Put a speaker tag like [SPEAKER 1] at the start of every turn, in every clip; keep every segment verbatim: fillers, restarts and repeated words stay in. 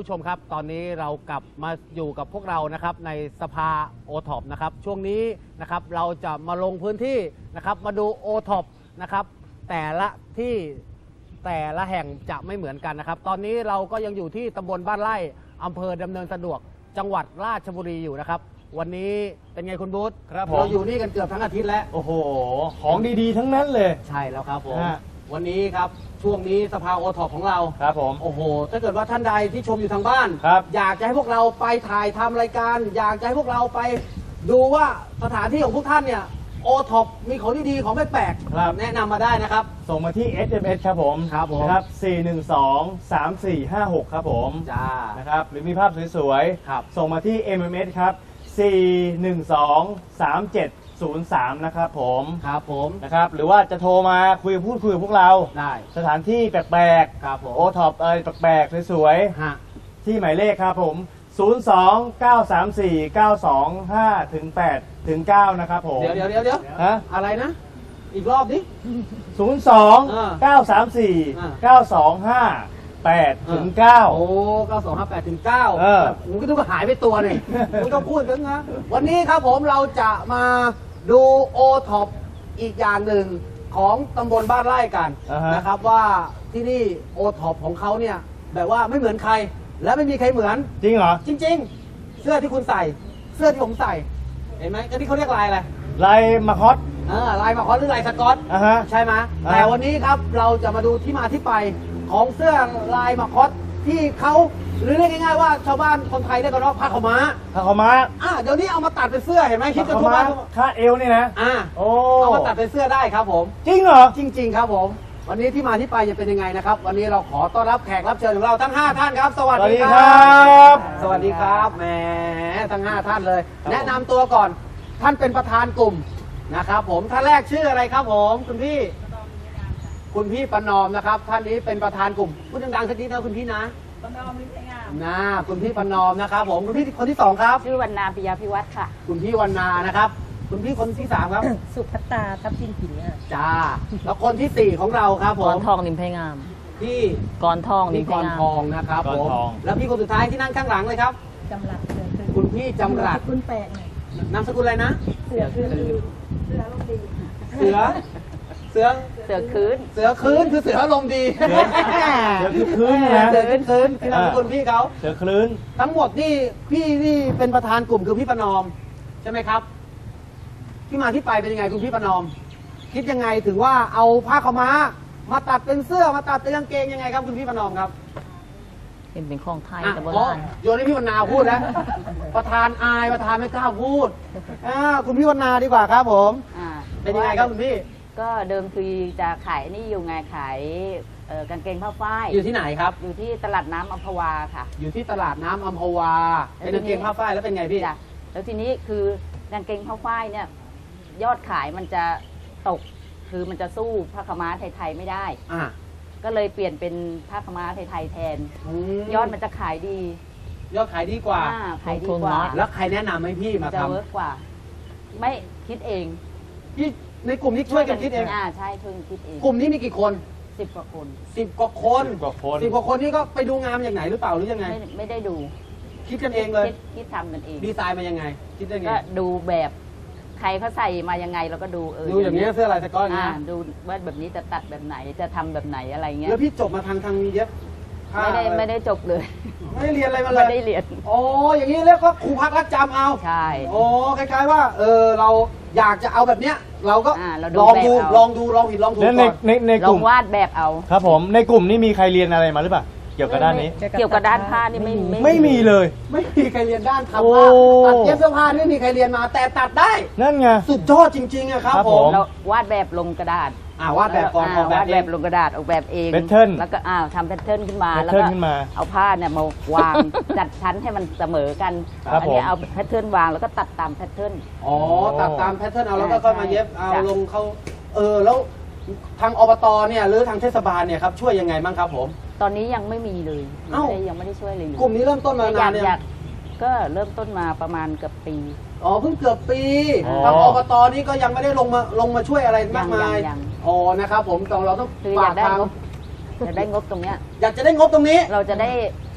[SPEAKER 1] ผู้ชมครับตอนนี้เรากลับมาอยู่กับพวกเรานะครับในสภาโอท็อปนะครับช่วงนี้นะครับเราจะมาลงพื้นที่นะครับมาดูโอท็อปนะครับแต่ละที่แต่ละแห่งจะไม่เหมือนกันนะครับตอนนี้เราก็ยังอยู่ที่ตำบลบ้านไร่อำเภอดำเนินสะดวกจังหวัดราชบุรีอยู่นะครับวันนี้เป็นไงคุณบูธ
[SPEAKER 2] ครับผม
[SPEAKER 1] เราอยู่นี่กันเกือบทั้งอาทิตย์แล้ว
[SPEAKER 2] โอ้โหของดีๆทั้งนั้นเลย
[SPEAKER 1] ใช่แล้วครับผม
[SPEAKER 2] ฮะ
[SPEAKER 1] วันนี้ครับช่วงนี้สภาโอท็อปของเรา
[SPEAKER 2] ครับผม
[SPEAKER 1] โอ้โห ถ้าเกิดว่าท่านใดที่ชมอยู่ทางบ้าน
[SPEAKER 2] ครับ
[SPEAKER 1] อยากจะให้พวกเราไปถ่ายทำรายการ อยากจะให้พวกเราไปดูว่าสถานที่ของพวกท่านเนี่ยโอท็อปมีของดีๆของแปลก
[SPEAKER 2] ครับ
[SPEAKER 1] ๆแนะนำมาได้นะครับ
[SPEAKER 2] ส่งมาที่ เอส เอ็ม เอส ครับผม
[SPEAKER 1] ครับผม
[SPEAKER 2] นะครับสี่หนึ่งสอง สามสี่ห้าหกครับผม
[SPEAKER 1] จ้า
[SPEAKER 2] นะครับหรือมีภาพสวย
[SPEAKER 1] ครับ
[SPEAKER 2] ส่งมาที่ เอ็ม เอ็ม เอส ครับสี่หนึ่งสอง สามเจ็ดศูนย์สามนะครับผม
[SPEAKER 1] ครับผม
[SPEAKER 2] นะครับหรือว่าจะโทรมาคุยพูดคุยกับพวกเรา
[SPEAKER 1] ได้
[SPEAKER 2] สถานที่แปลก
[SPEAKER 1] ครับผม
[SPEAKER 2] ๆโอท็อปอะไรแปลกๆสวย
[SPEAKER 1] ฮะ
[SPEAKER 2] ๆที่หมายเลขครับผมศูนย์ สอง เก้า สาม สี่ เก้า สอง ห้า ถึง แปด ถึง เก้านะครับผม
[SPEAKER 1] เดี๋ยวเดี๋ยวเดี๋ยวเดี๋ยว
[SPEAKER 2] ฮะ
[SPEAKER 1] อะไรนะ อีกรอบดิ
[SPEAKER 2] ศูนย์ สอง
[SPEAKER 1] อ่า
[SPEAKER 2] เก้า สาม สี่
[SPEAKER 1] อ่า
[SPEAKER 2] เก้า สอง ห้า แปด ถึง เก้า
[SPEAKER 1] โอ้เก้าสองห้าแปดถึงเก้า
[SPEAKER 2] เออ
[SPEAKER 1] ผมก็ต้องหายไปตัวหนึ่ง คุณต้องพูดถึงนะวันนี้ครับผมเราจะมาดูโอท็อปอีกอย่างหนึ่งของตำบลบ้านไร่กัน
[SPEAKER 2] อ่าฮะ
[SPEAKER 1] นะครับว่าที่นี่โอท็อปของเขาเนี่ยแบบว่าไม่เหมือนใคร และไม่มีใครเหมือน
[SPEAKER 2] จริงเหรอ
[SPEAKER 1] จริง ๆ เสื้อที่คุณใส่ เสื้อที่ผมใส่ เห็นไหมอันนี้เขาเรียกลายอะไร
[SPEAKER 2] ลายมาคอส
[SPEAKER 1] เออลายมาคอนหรือลายสก๊อต
[SPEAKER 2] อ่ะฮะ
[SPEAKER 1] ใช่ไหม
[SPEAKER 2] อ่า
[SPEAKER 1] แต่วันนี้ครับเราจะมาดูที่มาที่ไปของเสื้อลายมาคอสที่เขาหรือเรียกง่ายๆว่าชาวบ้านคนไทยเรียกกันว่าผ้าขาวม้า
[SPEAKER 2] ผ้าขาวม้า
[SPEAKER 1] อ่ะเดี๋ยวนี้เอามาตัดเป็นเสื้อเห็นไหมคิด
[SPEAKER 2] ผ้า
[SPEAKER 1] กัน
[SPEAKER 2] ขาว
[SPEAKER 1] ทั่ว
[SPEAKER 2] ม้า
[SPEAKER 1] บ้านทั่ว
[SPEAKER 2] คาดเอวนี่นะ
[SPEAKER 1] อ่ะ
[SPEAKER 2] โอ้
[SPEAKER 1] เอามาตัดเป็นเสื้อได้ครับผม
[SPEAKER 2] จริงเหรอ
[SPEAKER 1] จริง ๆ ครับผม วันนี้ที่มาที่ไปจะเป็นยังไงนะครับ วันนี้เราขอต้อนรับแขกรับเชิญของเราทั้งห้าท่านครับ สวัส
[SPEAKER 2] สวัส
[SPEAKER 1] ดี
[SPEAKER 2] ดี
[SPEAKER 1] ค
[SPEAKER 2] ค
[SPEAKER 1] รั
[SPEAKER 2] รับ บ
[SPEAKER 1] สวัสดีครับแหมทั้งห้าท่านเลย
[SPEAKER 2] ครับ
[SPEAKER 1] แนะนำตัวก่อนท่านเป็นประธานกลุ่มนะครับ ผมท่านแรกชื่ออะไรครับผมคุณพี่ คุณพี่ประนอมนะครับ ท่านนี้เป็นประธานกลุ่มพูดดังๆสักนิดนะคุณพี่นะ
[SPEAKER 3] ประนอมมิตรงาม
[SPEAKER 1] นะคุณพี่ประนอมนะครับ ผมคุณพี่คนที่สองครับ
[SPEAKER 3] ชื่อวรรณาปิยาพิวัตรค่ะ
[SPEAKER 1] คุณพี่วรรณานะครับ คุณพี่คนที่สามครับ
[SPEAKER 3] สุภัตตาทับทิมผินค่ะ
[SPEAKER 1] จ้าแล้วคนที่สี่ของเราครับผ
[SPEAKER 4] ก
[SPEAKER 1] ม
[SPEAKER 4] รทองนิมไพงาม
[SPEAKER 1] พี่
[SPEAKER 4] กรทองนิ
[SPEAKER 1] พี่
[SPEAKER 4] มไพ
[SPEAKER 1] กรง
[SPEAKER 4] าม
[SPEAKER 1] ทองนะครับ
[SPEAKER 2] กร
[SPEAKER 1] ผม
[SPEAKER 2] ทอง
[SPEAKER 1] แล้วพี่คนสุดท้ายที่นั่งข้างหลังเลยครับ
[SPEAKER 3] จำรัดเสือคือ
[SPEAKER 1] คุณพี่จำรัด
[SPEAKER 3] คุณแปลกหน่อย
[SPEAKER 1] นามสกุลอะไรนะ
[SPEAKER 3] เสือคือเสือลมดี
[SPEAKER 1] เสือ เสือ
[SPEAKER 4] เสือคืน
[SPEAKER 1] เสือคืนคือเสืออารมณ์ดี
[SPEAKER 2] เสือเสือคือคืนนะ
[SPEAKER 1] เสือคืนคืนคือนามสกุลพี่เขา
[SPEAKER 2] เสือคลื่น
[SPEAKER 1] ทั้งหมดนี่พี่นี่เป็นประธานกลุ่มคือพี่ประนอมใช่ไหมครับที่มาที่ไปเป็นยังไงคุณพี่ประนอม คิดยังไงถึงว่าเอาผ้าขาวม้า มาตัดเป็นเสื้อมาตัดเป็นกางเกงยังไงครับคุณพี่ประนอมครับ
[SPEAKER 4] เป็นเป็นของไทย
[SPEAKER 1] อ่ะ
[SPEAKER 4] แต่โบ
[SPEAKER 1] อ๋อ
[SPEAKER 4] ราณ
[SPEAKER 1] โยนให้พี่วรรณาพูดนะ ประธานอายประธานไม่กล้าพูดอ่าคุณพี่วรรณาดีกว่าครับผม
[SPEAKER 4] อ่า
[SPEAKER 1] เป็นยังไงครับคุณพี่
[SPEAKER 4] ก็เดิมทีจะขายนี่อยู่ไงขายเอ่อกางเกงผ้าฝ้าย
[SPEAKER 1] อยู่ที่ไหนครับ
[SPEAKER 4] อยู่ที่ตลาดน้ำอัมพวาค่ะ
[SPEAKER 1] อยู่ที่ตลาดน้ำอัมพวาเป็นกางเกงผ้าฝ้ายแล้วเป็นไงพี่
[SPEAKER 4] จ้ะแล้วทีนี้คือกางเกงผ้าฝ้ายเนี่ยยอดขายมันจะตก คือมันจะสู้ผ้าขาวม้าไทยๆไม่ได้
[SPEAKER 1] อ่า
[SPEAKER 4] ก็เลยเปลี่ยนเป็นผ้าขาวม้าไทยๆแทน
[SPEAKER 1] ม
[SPEAKER 4] ยอดมันจะขายดี
[SPEAKER 1] ยอดขายดีกว่า
[SPEAKER 4] อ่ขายดีกว่า
[SPEAKER 1] แล้วใครแนะนำให้พี่มา
[SPEAKER 4] จะ
[SPEAKER 1] ทำ
[SPEAKER 4] เวิร์กกว่า ไม่คิดเอง
[SPEAKER 1] พี่ในกลุ่มนี้ช่วยกันคิดเอง
[SPEAKER 4] อ่าใช่ช่วยกันคิดเอง
[SPEAKER 1] กลุ่มนี้มีกี่คน
[SPEAKER 4] สิบกว่าคน
[SPEAKER 1] สิบกว่าคน
[SPEAKER 2] สิบกว่าคน
[SPEAKER 1] สิบกว่าคนนี่ก็ไปดูงานมาจากไหนหรือเปล่าหรือยังไง
[SPEAKER 4] ไม่ไม่ได้ดู
[SPEAKER 1] คิดกันเองเลย
[SPEAKER 4] คิดคิดทำกันเอง
[SPEAKER 1] ดีไซน์มายังไง คิดได้ไง
[SPEAKER 4] ก็ดูแบบใครเขาใส่มายังไงเราก็ดูเออ
[SPEAKER 1] ดูอย่างนี้เสื้อลายสก๊อตอย่าง
[SPEAKER 4] อ่า
[SPEAKER 1] นี้นะ
[SPEAKER 4] ดูว่าแบบนี้จะตัดแบบไหนจะทำแบบไหนอะไรเงี้ย
[SPEAKER 1] แล้วพี่จบมาทางทางเย็บผ้า
[SPEAKER 4] ไม่ได้
[SPEAKER 1] อะร
[SPEAKER 4] ไม่ได้จบเลย
[SPEAKER 1] ไม่ได้เรียนอะไรมาเล
[SPEAKER 4] ไม่
[SPEAKER 1] ย
[SPEAKER 4] ได้เรียน
[SPEAKER 1] โอ้อย่างนี้เรียกว่าครูพักรักจำเอา
[SPEAKER 4] ใช่
[SPEAKER 1] โอ้คล้ายๆว่า เออเราอยากจะเอาแบบเนี้ย เราก็
[SPEAKER 4] อ่าเราดู
[SPEAKER 1] ลองดู
[SPEAKER 4] แบบเอา
[SPEAKER 1] ลองดูลองผิดลองถูก
[SPEAKER 2] แล้วใน
[SPEAKER 1] ก่อน
[SPEAKER 2] ในใน
[SPEAKER 4] ล
[SPEAKER 2] ก
[SPEAKER 4] อ
[SPEAKER 2] ลุ่
[SPEAKER 4] ง
[SPEAKER 2] ม
[SPEAKER 4] วาดแบบเอา
[SPEAKER 2] ครับผมในกลุ่มนี้มีใครเรียนอะไรมาหรือเปล่าเกี่ยวกับด้านนี้
[SPEAKER 4] เกี่ยวกับด้านผ้านี่ไม่
[SPEAKER 2] ไม่มีเลย
[SPEAKER 1] ไม่มีใครเรียนด้าน
[SPEAKER 2] โอ้
[SPEAKER 1] ทำผ้าตัดเย็บเสื้อผ้านี่ไม่มีใครเรียนมา แต่ตัดได้
[SPEAKER 2] นั่นไง
[SPEAKER 1] สุดยอดจริงๆอะครับ
[SPEAKER 2] ครับ
[SPEAKER 1] ผ
[SPEAKER 2] ผม ม
[SPEAKER 4] เราวาดแบบลงกระดาษ
[SPEAKER 1] อ่าวาดแบบก่อน
[SPEAKER 4] อ่า
[SPEAKER 1] ออกแบบ
[SPEAKER 4] วาด
[SPEAKER 1] เอ
[SPEAKER 4] แบบ
[SPEAKER 1] ง
[SPEAKER 4] ลงกระดาษออกแบบเอง
[SPEAKER 2] pattern
[SPEAKER 4] แล้วก็อ้าวทำแพทเทิร์นขึ้นมา
[SPEAKER 2] pattern
[SPEAKER 4] แล้วก็
[SPEAKER 2] ขึ้นมา
[SPEAKER 4] เอาผ้าเนี่ยมาวาง จัดชั้นให้มันเสมอกัน
[SPEAKER 2] ครับ
[SPEAKER 4] อันี้
[SPEAKER 2] ผม
[SPEAKER 4] เอาแพทเทิร์นวางแล้วก็ตัดตามแพทเทิร์น
[SPEAKER 1] อ๋อตัดตามแพทเทิร์นเอาแล้วก็
[SPEAKER 4] ใช่
[SPEAKER 1] ค่อยมาเย็บเอา
[SPEAKER 4] จ้ะ
[SPEAKER 1] ลงเขาเออแล้วทางอบตเนี่ยหรือทางเทศบาลเนี่ยครับช่วยยังไงบ้างครับผม
[SPEAKER 4] ตอนนี้ยังไม่มีเลย
[SPEAKER 1] เอ้า
[SPEAKER 4] ไม่ได้ยังไม่ได้ช่วยเลย
[SPEAKER 1] กลุ่มนี้เริ่มต้นมา
[SPEAKER 4] อ
[SPEAKER 1] าย
[SPEAKER 4] นาน ก
[SPEAKER 1] เนี่ย
[SPEAKER 4] อยากก็เริ่มต้นมาประมาณเกือบปี
[SPEAKER 1] อ๋อเพิ่งเกือบปี
[SPEAKER 2] อ๋อ
[SPEAKER 1] ทางอบตนี่ก็ยังไม่ได้ลงมาลงมาช่วยอะไรมากมาย
[SPEAKER 4] ยังยัง
[SPEAKER 1] อ๋อนะครับผมต้องเราต้อง
[SPEAKER 4] คืออาก
[SPEAKER 1] ฝายก
[SPEAKER 4] ได้
[SPEAKER 1] ทาง
[SPEAKER 4] งบอยากได้งบตรงเนี้ย
[SPEAKER 1] อยากจะได้งบตรงนี้
[SPEAKER 4] เราจะได้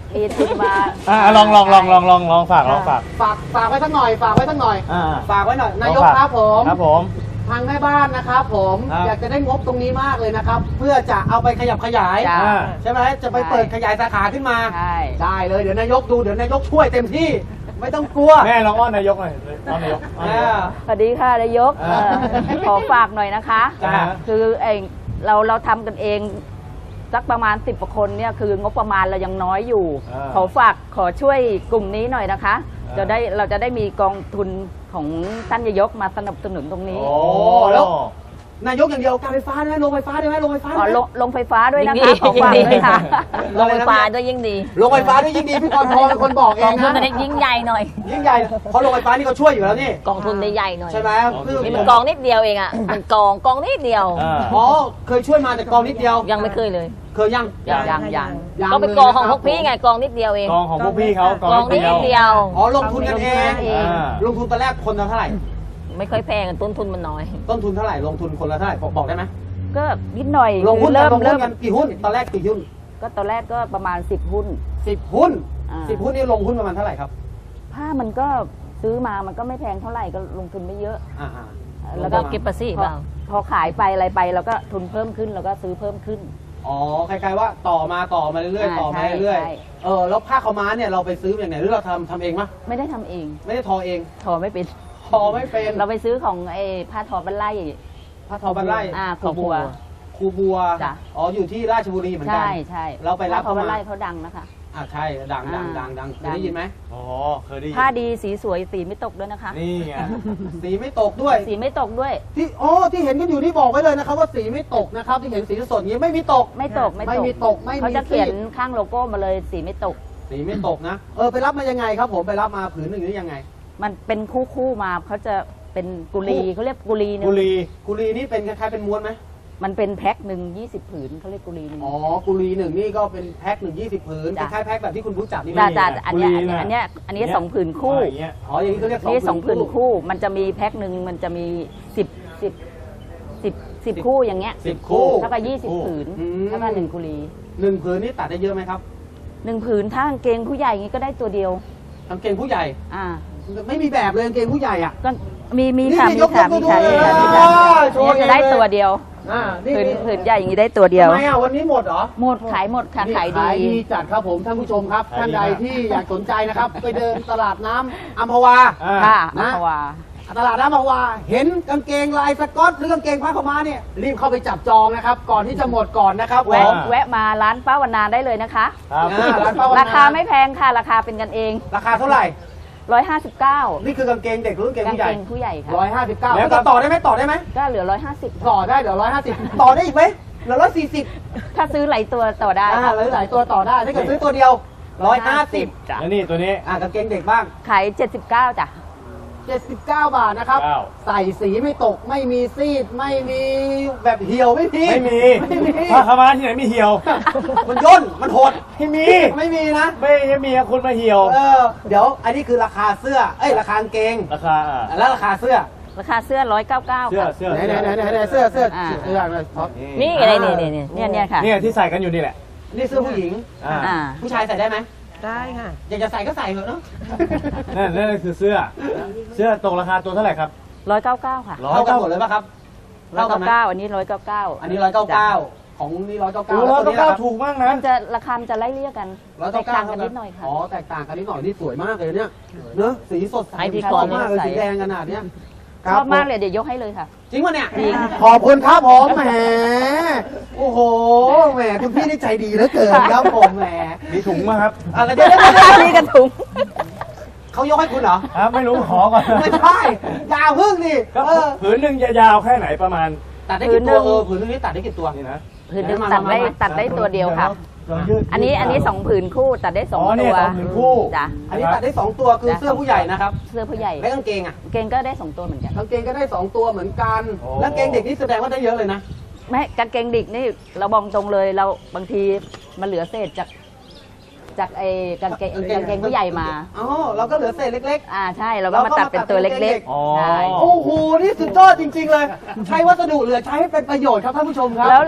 [SPEAKER 4] มีทุนมา
[SPEAKER 2] อ่าลองลองลองลองลองลองฝากลองฝาก
[SPEAKER 1] ฝากฝากไว้สักหน่อยฝากไว้สักหน่อย
[SPEAKER 2] อ่า
[SPEAKER 1] ฝากไว้หน่อยนายก
[SPEAKER 2] ลองฝ
[SPEAKER 1] ครับผม
[SPEAKER 2] ครับผม
[SPEAKER 1] ทางแม่บ้านนะครับผม
[SPEAKER 2] ครับ
[SPEAKER 1] อยากจะได้งบตรงนี้มากเลยนะครับ เพื่อจะเอาไปขยับขยาย
[SPEAKER 4] จ้ะ
[SPEAKER 2] อ่า
[SPEAKER 1] ใช่ไหมจะไปเปิดขยายสาขาขึ้นมา
[SPEAKER 4] ใช่
[SPEAKER 1] ได้เลยเดี๋ยวนายกดูเดี๋ยวนายกช่วยเต็มที่ไม่ต้องกลัว
[SPEAKER 2] แม่ลองอ้อนนายกหน่อยอ้อนนายกอ้อนนายก
[SPEAKER 4] สวัสดีค่ะนายก
[SPEAKER 2] อ่า
[SPEAKER 4] เอ่อขอฝากหน่อยนะคะ
[SPEAKER 2] จ้ะ
[SPEAKER 4] คือไอเราเราทำกันเองสักประมาณสิบกว่าคนเนี่ยคืองบประมาณเรายังน้อยอยู่
[SPEAKER 2] อ่า
[SPEAKER 4] ขอฝากขอช่วยกลุ่มนี้หน่อยนะคะ
[SPEAKER 2] อ่า
[SPEAKER 4] จะได้เราจะได้มีกองทุนของท่านนายกมาสนับสนุนตรงนี้
[SPEAKER 2] โอ้
[SPEAKER 1] แล้ว นายกอย่างเดียวการไฟฟ้าได้ไหมโรงไฟฟ้าได้ไหมโรงไฟฟ้า
[SPEAKER 4] ขอ
[SPEAKER 1] ได้ไหม
[SPEAKER 4] ลงลงไฟฟ้าด้วยนะ
[SPEAKER 5] ยิ่
[SPEAKER 4] คะ
[SPEAKER 5] งดี
[SPEAKER 4] ขอฝาก
[SPEAKER 5] ยิ่งดี
[SPEAKER 4] ด้วยค่ะ
[SPEAKER 1] โรงไฟฟ้าด้วยยิ่งดีโรงไฟฟ้าด้วยยิ่งดีพี่กรพรเป็นคนบอกเอก
[SPEAKER 5] อง
[SPEAKER 1] ง
[SPEAKER 5] ทุน
[SPEAKER 1] นะ
[SPEAKER 5] อันนี้ยิ่งใหญ่หน่อย
[SPEAKER 1] ยิ่งใหญ่เพราะโรงไฟฟ้านี่เขาช่วยอยู่แล้วนี่
[SPEAKER 5] กองทุนได้ใหญ่หน่อย
[SPEAKER 1] ใช่ไหมคือ
[SPEAKER 5] นี่มันกองนิดเดียวเองอ่ะ มันกองกองนิดเดียว
[SPEAKER 2] อ่า
[SPEAKER 1] อ๋อเคยช่วยมาแต่กองนิดเดียว
[SPEAKER 5] ยังไม่เคยเลย
[SPEAKER 1] เคยยัง
[SPEAKER 5] ยัง
[SPEAKER 4] ยังยัง
[SPEAKER 1] ยัง
[SPEAKER 5] ก็ไปกองของพวกพี่ไงกองนิดเดียวเอง
[SPEAKER 2] กองของพวกพี่เขาก
[SPEAKER 5] ก
[SPEAKER 2] อ
[SPEAKER 5] อง ง
[SPEAKER 2] นิ
[SPEAKER 5] นิ
[SPEAKER 2] ด
[SPEAKER 5] ด
[SPEAKER 2] เดี
[SPEAKER 5] เดี
[SPEAKER 2] ยว
[SPEAKER 5] ยว
[SPEAKER 1] อ๋อลงทุนกันเอง
[SPEAKER 2] อ่า
[SPEAKER 1] ลงทุนตอนแรกคนละเท่าไหร่
[SPEAKER 5] ไม่ค่อยแพงต้นทุนมันน้อย
[SPEAKER 1] ต้นทุนเท่าไหร่ลงทุนคนละเท่าไหร่บอกบอกได้ไหม
[SPEAKER 4] ก็นิดหน่อย
[SPEAKER 1] ลงหุ้น
[SPEAKER 4] เริ่ม
[SPEAKER 1] ลงหุ้
[SPEAKER 4] เริ่
[SPEAKER 1] น
[SPEAKER 4] ม
[SPEAKER 1] กันกี่หุ้นตอนแรกกี่หุ้น
[SPEAKER 4] ก็ตอนแรกก็ประมาณสิบหุ้น
[SPEAKER 1] สิบหุ้น
[SPEAKER 4] อ่า
[SPEAKER 1] สิบหุ้นนี่ลงหุ้นประมาณเท่าไหร่ครับ
[SPEAKER 4] ผ้ามันก็ซื้อมามันก็ไม่แพงเท่าไหร่ก็ลงทุนไม่เยอะ
[SPEAKER 1] อ่าอ่า
[SPEAKER 4] แล้วก็
[SPEAKER 5] เก็บภาษี
[SPEAKER 4] พอ
[SPEAKER 5] เปล่า
[SPEAKER 4] พอขายไปอะไรไปเราก็ทุนเพิ่มขึ้นแล้วก็ซื้อเพิ่มขึ้น
[SPEAKER 1] อ๋อคล้ายๆว่าต่อมาต่อมาเรื่อยๆ
[SPEAKER 4] อ่า
[SPEAKER 1] ต่อมา
[SPEAKER 4] ใช่
[SPEAKER 1] เรื่อย
[SPEAKER 4] ใช่
[SPEAKER 1] ๆเออแล้วผ้าขาวม้าเนี่ยเราไปซื้ออย่างไหนหรือเราทำทำเองมะ
[SPEAKER 4] ไม่ได้ทำเอง
[SPEAKER 1] ไม่ได้ทอเอง
[SPEAKER 4] ทอไม่เป็น
[SPEAKER 1] ทอไม่เป็น
[SPEAKER 4] เราไปซื้อของไอ้ผ้าทอบันไล่
[SPEAKER 1] ผ้าทอบันไล่
[SPEAKER 4] อ่าครูบัว
[SPEAKER 1] ครูบัว
[SPEAKER 4] จ้ะ
[SPEAKER 1] อ๋ออยู่ที่ราชบุรีเหมือนกั
[SPEAKER 4] ใช่ใช่
[SPEAKER 1] เราไปรับ
[SPEAKER 4] ผ้าทอบัน
[SPEAKER 1] เข้ามา
[SPEAKER 4] ไล่เขาดังนะคะ
[SPEAKER 1] อ่าใช่ดังดัง
[SPEAKER 4] อ่า
[SPEAKER 1] ดังดังเค
[SPEAKER 4] ดั
[SPEAKER 1] ย
[SPEAKER 4] ง
[SPEAKER 1] ได้ยินไหม
[SPEAKER 2] อ๋อเคยได้ยิน
[SPEAKER 4] ผ้าดีสีสวยสีไม่ตกด้วยนะคะ
[SPEAKER 2] นี่ไง
[SPEAKER 1] สีไม่ตกด้วย
[SPEAKER 4] สีไม่ตกด้วย
[SPEAKER 1] ที่อ๋อที่เห็นกันอยู่นี่บอกไว้เลยนะครับว่าสีไม่ตกนะครับที่เห็นสีสดอย่างนี้ไม่มีตก
[SPEAKER 4] ไม่ตกไม่
[SPEAKER 1] ไม่
[SPEAKER 4] ตก
[SPEAKER 1] มีตกไม่มี
[SPEAKER 4] เขาจะเขียน
[SPEAKER 1] ซีด
[SPEAKER 4] ข้างโลโก้มาเลยสีไม่ตก
[SPEAKER 1] สีไม่ตกนะเออไปรับมายังไงครับผมไปรับมาผืนหนึ่งนี่ยังไง
[SPEAKER 4] มันเป็นคู่คู่ๆมาเขาจะเป็นกุลี
[SPEAKER 1] คู่
[SPEAKER 4] เขาเรียกกุลีหนึ
[SPEAKER 2] กุ
[SPEAKER 4] ง
[SPEAKER 2] ลี
[SPEAKER 1] กุลีนี่เป็นคล้ายๆเป็นม้วนไหม
[SPEAKER 4] มันเป็นแพ็คหนึ่งยี่สิบผืนเขาเรียกกุลีหนึง
[SPEAKER 1] อ๋อกุลีหนึ่งนี่ก็เป็นแพ็คหนึ่งยี่สิบผืนค
[SPEAKER 4] จ้ะ
[SPEAKER 1] ล้ายๆแพ็คแบบที่คุณรู้จักนี่
[SPEAKER 4] จ้า
[SPEAKER 1] นะ
[SPEAKER 4] จ้าอันเนี้ยอันเนี้ยอันเนี้ยอันเนี้ยสองผืนคู่
[SPEAKER 2] อย่างเงี้ย
[SPEAKER 1] อ๋ออย่างนี้เขาเรียก
[SPEAKER 4] นี่สองผืน
[SPEAKER 1] คู่
[SPEAKER 4] คู่ มันจะมีแพ็คหนึ่งมันจะมีสิบสิบสิบสิบคู่อย่างเงี้ย
[SPEAKER 1] สิบคู่
[SPEAKER 4] เท่ากับยี่สิบผืน
[SPEAKER 1] อืม
[SPEAKER 4] เท่ากับหนึ่งกุลี
[SPEAKER 1] หนึ่งผืนนี่ตัดได้เยอะไหมครับ
[SPEAKER 4] หนึ่งผืนถ้ากางเกงผู้ใหญ่อย่างงี้ก็ได้ตัวเดียว
[SPEAKER 1] กางเกงผู้ใหญ่
[SPEAKER 4] อ่า
[SPEAKER 1] ไม่มีแบบเลยกางเกงผู้ใหญ่อ่ะ
[SPEAKER 4] ก็มีมี
[SPEAKER 1] นี่
[SPEAKER 4] ค่ะ
[SPEAKER 1] นี่
[SPEAKER 4] มี
[SPEAKER 1] ยก
[SPEAKER 4] ค่ะ
[SPEAKER 1] ยก
[SPEAKER 4] มีค่ะ
[SPEAKER 1] ดู
[SPEAKER 4] มีค่ะ
[SPEAKER 1] เลย
[SPEAKER 4] มีค่ะ
[SPEAKER 1] โชว์
[SPEAKER 4] เนี่ยจะได้
[SPEAKER 1] เลย
[SPEAKER 4] ตัวเดียว
[SPEAKER 1] อ่านี่
[SPEAKER 4] ผืน
[SPEAKER 1] นี่
[SPEAKER 4] ผืนใหญ่อย่างนี้ได้ตัวเดียว
[SPEAKER 1] ทำไมอ่ะวันนี้หมดเหรอ
[SPEAKER 4] หมดขายหมดค่ะ
[SPEAKER 1] นี่
[SPEAKER 4] ขายดี
[SPEAKER 1] ขายดีจัดครับผมท่านผู้ชมครับ
[SPEAKER 2] ขายดี
[SPEAKER 1] ท่านใด
[SPEAKER 2] มาก
[SPEAKER 1] ที่อยากสนใจนะครับ ไปเดินตลาดน้ำอัมพวา
[SPEAKER 2] อ่า
[SPEAKER 4] ค่ะ
[SPEAKER 1] นะ
[SPEAKER 4] อัมพวา
[SPEAKER 1] ตลาดน้ำอัมพวา เห็นกางเกงลายสก๊อตหรือกางเกงผ้าขาวม้าเนี่ยรีบเข้าไปจับจองนะครับ ก่อนที่จะหมดก่อนนะครับ
[SPEAKER 4] แวะ
[SPEAKER 1] ผม
[SPEAKER 4] แวะมาร้านป้าวันนาได้เลยนะคะ
[SPEAKER 2] ครับ
[SPEAKER 1] อ่าร้านป้าวันนา
[SPEAKER 4] ราคาไม่แพงค่ะ ราคาเป็นกันเอง
[SPEAKER 1] ราคาเท่าไหร่
[SPEAKER 4] ร้อยห้าสิบเก้า
[SPEAKER 1] นี่คือกางเกงเด็กหรือกางเกง
[SPEAKER 4] กาง
[SPEAKER 1] ผู้ให
[SPEAKER 4] เก
[SPEAKER 1] ญ่
[SPEAKER 4] งผู้ใหญ่ค่ะ
[SPEAKER 1] ร้อยห้าสิบเก้า
[SPEAKER 2] แล้
[SPEAKER 1] แล้ว ว
[SPEAKER 2] ก็
[SPEAKER 1] ก็ต่อได้ไหมต่อได้ไหม
[SPEAKER 4] ก็เหลือร้อยห้าสิบ
[SPEAKER 1] ต่อได้เดี๋ยวร้อยห้าสิบต่อได้อีกไหมเหลือร้อยสี่สิบ
[SPEAKER 4] ถ้าซื้อหลายตัวต่อได้
[SPEAKER 1] อ่า
[SPEAKER 4] ค่ะ
[SPEAKER 1] หลายๆตัวต่อได้ถ้าเกิดซื้อตัวเดียวร้อยห้าสิบ
[SPEAKER 4] จ้ะ
[SPEAKER 2] แล้วนี่ตัวนี้
[SPEAKER 1] อ่ากางเกงเด็กบ้าง
[SPEAKER 4] ขายเจ็ดสิบเก้าจ้ะ
[SPEAKER 1] เจ็ดสิบเก้าบาทนะครับ
[SPEAKER 2] เก้า
[SPEAKER 1] ใส่สีไม่ตกไม่มีซีดไม่มีแบบเหี่ยวไม่มี
[SPEAKER 2] ไม่มี
[SPEAKER 1] ไม่มี
[SPEAKER 2] ผ้าขาวม้าที่ไหนมีเหี่ยว
[SPEAKER 1] มันย่นมันหด
[SPEAKER 2] ไม่มี
[SPEAKER 1] ไม่มีนะ
[SPEAKER 2] ไม่ไม่มีอะคุณมาเหี่ยว
[SPEAKER 1] เออเดี๋ยวอันนี้คือราคาเสื้อเอ้ยราคากางเกง
[SPEAKER 2] ราคาอ่ะ
[SPEAKER 1] แล้วราคาเสื้อ
[SPEAKER 4] ราคาเสื้อร้อยเก้าเก้า
[SPEAKER 2] เสื้อ
[SPEAKER 4] ค่ะ
[SPEAKER 2] เสื้อ
[SPEAKER 1] ไหนไหนไหนไหนไหนเสื้อเสื้อ
[SPEAKER 4] อ่า
[SPEAKER 1] เสื้ออะไรท็อป
[SPEAKER 5] นี่อะไรนี่นี่นี่
[SPEAKER 4] เนี่ยเนี่ยค่ะ
[SPEAKER 2] เนี่ยที่ใส่กันอยู่นี่แหละ
[SPEAKER 1] นี่เสื้อผู้หญิง
[SPEAKER 2] อ่า
[SPEAKER 4] อ่า
[SPEAKER 1] ผู้ชายใส่ได้ไหม
[SPEAKER 3] ได้ค่ะ
[SPEAKER 1] อยากจะใส่ก็ใส่เถอะเนาะ
[SPEAKER 2] นั่นนั่นคือเสื้อ เสื้อตกราคาตัวเท่าไหร่ครับ
[SPEAKER 4] ร้อยเก้าเก้าค่ะ
[SPEAKER 2] ร้อย
[SPEAKER 1] เท่ากันหมดเลยป่ะครับ
[SPEAKER 4] ร้อย
[SPEAKER 1] เท่ากัน
[SPEAKER 4] เก้า
[SPEAKER 1] ไหม
[SPEAKER 4] เก้าอันนี้ร้อยเก้าเก้า
[SPEAKER 1] อันนี้ร้อยเก้าเก้าของนี่ร้อยเก้า
[SPEAKER 2] โอ้
[SPEAKER 1] เก้า
[SPEAKER 2] ร้อย
[SPEAKER 1] ตัว
[SPEAKER 2] เก้า
[SPEAKER 1] นี้
[SPEAKER 2] เก้า
[SPEAKER 1] นะครับ
[SPEAKER 2] ถูกมากนะ
[SPEAKER 4] มันจะราคามันจะไล่เลี่ยกัน
[SPEAKER 1] ร้อย
[SPEAKER 4] แต
[SPEAKER 1] เก้าก เก้า
[SPEAKER 4] ต่างกันนิดหน่อยค่ะ
[SPEAKER 1] อ๋อแตกต่างกันนิดหน่อยนี่สวยมากเลยเนี่ยเนอะสีสดใส
[SPEAKER 5] ให้พี่
[SPEAKER 1] ช
[SPEAKER 5] ก
[SPEAKER 1] อ
[SPEAKER 5] ร
[SPEAKER 1] บ
[SPEAKER 5] ณ์
[SPEAKER 1] มากเลย
[SPEAKER 4] ใส่
[SPEAKER 1] สีแดงขนาดเนี้ย
[SPEAKER 4] ชอบมากเลยเดี๋ยวยกให้เลยค่ะ
[SPEAKER 1] จริงปะเนี่ย
[SPEAKER 4] จริง
[SPEAKER 1] ขอบคุณครับผมแหมโอ้โหแหมคุณพี่นี่ใจดีเหลือเกินครับผมแหม
[SPEAKER 2] มีถุงมาครับ
[SPEAKER 1] อะไรเดี๋ยวเดี๋ยวเดี๋ยว
[SPEAKER 4] นี่กันถุง
[SPEAKER 1] เขายกให้คุณเหรอ
[SPEAKER 2] ครับไม่รู้ขอก่อน
[SPEAKER 1] ไม่ใช่อยาพึ่งนี่
[SPEAKER 2] ก็
[SPEAKER 1] เออ
[SPEAKER 2] ผืนหนึ่งยาวๆแค่ไหนประมาณ
[SPEAKER 1] ตัดได้กี่ตัวเออผืนนึงนี่ตัดได้กี่ตัว
[SPEAKER 2] นี่นะ
[SPEAKER 4] ผืนหนึงตัดได้ตัดได้ตัวเดียวค่ะ
[SPEAKER 2] ลองยืด
[SPEAKER 4] อันนี้อันนี้สองผืนคู่ตัดได้สอง
[SPEAKER 2] อ๋อเนี่
[SPEAKER 4] ตั
[SPEAKER 2] ยว สองผืนคู่
[SPEAKER 4] จ้ะ
[SPEAKER 1] อันนี้ตัดได้สองตัวคือเสื้อผู้ใหญ่นะครับ
[SPEAKER 4] เสื้อผู้ใหญ่
[SPEAKER 1] และกางเกงอ่ะ
[SPEAKER 4] เกงก็ได้สองตัวเหมือนกัน
[SPEAKER 1] กางเกงก็ได้สองตัวเหมือนกันแล้วกางเกงเด็กนี่แสดงว่าได้เยอะเลยนะ
[SPEAKER 4] ไม่กางเกงเด็กนี่เราบอกตรงเลยเราบางทีมันเหลือเศษจากจากไอ้กางเกงกางเกงผู้ใหญ่มา
[SPEAKER 1] อ๋อเราก็เหลือเศษเล็ก
[SPEAKER 4] อ่าใช่เราก็มาตัดเป็นตัวเล็ก
[SPEAKER 2] อ๋อ
[SPEAKER 4] ๆใช่
[SPEAKER 1] ๆ โอ้โห นี่สุดยอดจริง ๆ เลย ใช้วัสดุเหลือใช้ให้เป็นประโยชน์ครับท่านผู้ชมครับ
[SPEAKER 4] แล้วแล้ว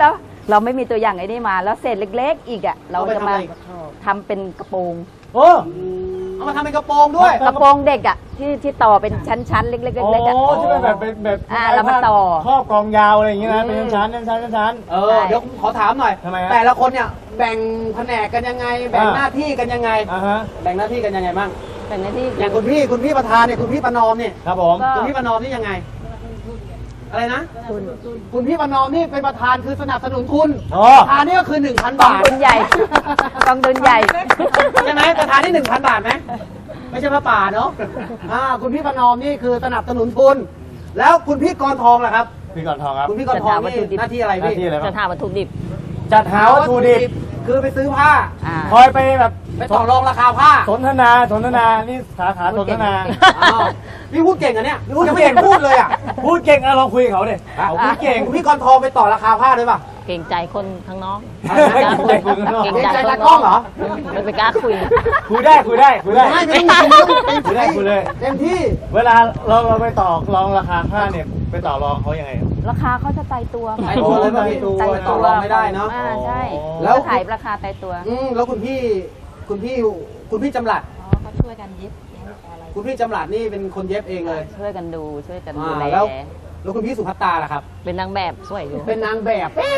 [SPEAKER 4] เราไม่มีตัวอย่างไอ้นี่มา แล้วเศษเล็ก ๆ อีกอ่ะเรา
[SPEAKER 1] เอาไป
[SPEAKER 4] จะ
[SPEAKER 1] ทำ
[SPEAKER 4] มา
[SPEAKER 1] อะไร
[SPEAKER 4] ทำเป็นกระโปรง
[SPEAKER 2] โอ้
[SPEAKER 1] เอามาทำเป็นกระโปรงด้วย
[SPEAKER 4] กระโปรงเด็กอ่ะที่ที่ต่อเป็นชั้นๆเล็กๆ
[SPEAKER 2] โอ้
[SPEAKER 4] เล็กๆอ่ะ
[SPEAKER 2] ที่เป็นแบบเป็นแบบ
[SPEAKER 4] อ่าแล้วมาต่อ
[SPEAKER 2] ครอบกองยาวอะไรอย่างเงี้ยนะ
[SPEAKER 4] อืม
[SPEAKER 2] เป็นชั้นๆชั้นๆชั้น
[SPEAKER 1] เออเดี๋ยวผมขอถามหน่อย
[SPEAKER 2] ทำไมฮะ
[SPEAKER 1] แต่ละคนเนี่ยแบ่งแผนกกันยังไง แบ่ง
[SPEAKER 2] อ่า
[SPEAKER 1] หน้าที่กันยังไง
[SPEAKER 2] ๆอ่าฮะ
[SPEAKER 1] แบ่งหน้าที่กันยังไงบ้าง
[SPEAKER 4] เป็นหน้าที่
[SPEAKER 1] อย่างคุณพี่คุณพี่ประธานเนี่ยคุณพี่ประนอมเนี่ย
[SPEAKER 2] ครับผม
[SPEAKER 4] ก็
[SPEAKER 1] คุณพี่ประนอมนี่ยังไง อะไรนะ
[SPEAKER 4] ทุน
[SPEAKER 1] คุณพี่ประนอมนี่เป็นประธานคือสนับสนุนทุน
[SPEAKER 2] อ๋อ
[SPEAKER 1] ประธานนี่ก็คือหนึ่งพัน
[SPEAKER 4] กอง
[SPEAKER 1] บาท
[SPEAKER 4] ทุนใหญ่กองทุนใหญ่
[SPEAKER 1] ใช่ไหมประธานนี่หนึ่งพันบาทไหมไม่ใช่พระป่าเนาะอ่าคุณพี่ประนอมนี่คือสนับสนุนทุน แล้วคุณพี่กรทองล่ะครับ
[SPEAKER 2] พี่ก่อนทองครับ
[SPEAKER 1] คุณพี่กรทองนี่หน้าที่อะไร
[SPEAKER 2] หน้า
[SPEAKER 1] พี่
[SPEAKER 2] ที่อะไรบ้า
[SPEAKER 5] จะ
[SPEAKER 2] ง
[SPEAKER 5] ทำวัตถุดิบ
[SPEAKER 2] จัดหาวัตถุดิบ
[SPEAKER 1] คือไปซื้อผ้า
[SPEAKER 4] อ่า
[SPEAKER 2] คอยไปแบบ
[SPEAKER 1] ไปต่อรองราคาผ้า
[SPEAKER 2] สนทนาสนทนานี่สาขาสนทนา
[SPEAKER 1] อ้าวพี่พูดเก่งอะเนี่ย
[SPEAKER 2] พูด
[SPEAKER 1] ยังไม่
[SPEAKER 2] เก่
[SPEAKER 1] เห็
[SPEAKER 2] ง
[SPEAKER 1] นพูดเลยอ่ะ
[SPEAKER 2] พูดเก่งอะลองคุยกับเขาดิเขาพูดเก่ง
[SPEAKER 1] คุณพี่กรทองไปต่อราคาผ้าด้วยป่ะ
[SPEAKER 5] เกรงใจคนข้างนอก
[SPEAKER 2] เกรงใจคนข้างนอก
[SPEAKER 5] เกรง
[SPEAKER 1] เกรงใจ
[SPEAKER 5] ใจ
[SPEAKER 1] ตากล้องเหรอ
[SPEAKER 5] ไม่ไปกล้าคุย
[SPEAKER 2] คุยได้คุยได้คุยได้
[SPEAKER 1] ไม่ไม่ต้องคุย
[SPEAKER 2] คุยได้คุยเลย
[SPEAKER 1] เต็มที่
[SPEAKER 2] เวลาเราเราไปต่อรองราคาผ้าเนี่ยไปต่อรองเขายังไงครับ
[SPEAKER 4] ราคาเขาจะตายตัวค่ะ
[SPEAKER 1] ตายตัวเลยป่ะพี่
[SPEAKER 4] ตาย
[SPEAKER 1] ต่
[SPEAKER 4] ตั
[SPEAKER 1] อ
[SPEAKER 4] ว
[SPEAKER 1] รองไม่ได้เนาะ
[SPEAKER 4] อ่าใช่
[SPEAKER 2] อ๋อ
[SPEAKER 1] แล้
[SPEAKER 4] แล้ว วขายราคาตายตัว
[SPEAKER 1] อืมแล้วคุณพี่คุณพี่คุณพี่จำหลัด
[SPEAKER 3] อ๋อเขาช่วยกันเย็บอะไร
[SPEAKER 1] คุณพี่จำหลัดนี่เป็นคนเย็บเองเลย
[SPEAKER 4] ช่วยกันดูช่วยกัน
[SPEAKER 1] อ่า
[SPEAKER 4] ดูแล
[SPEAKER 1] แล้วแล้วคุณพี่สุภัตตาล่ะครับ
[SPEAKER 5] เป็นนางแบบสวยอยู่
[SPEAKER 1] เป็นนางแบบ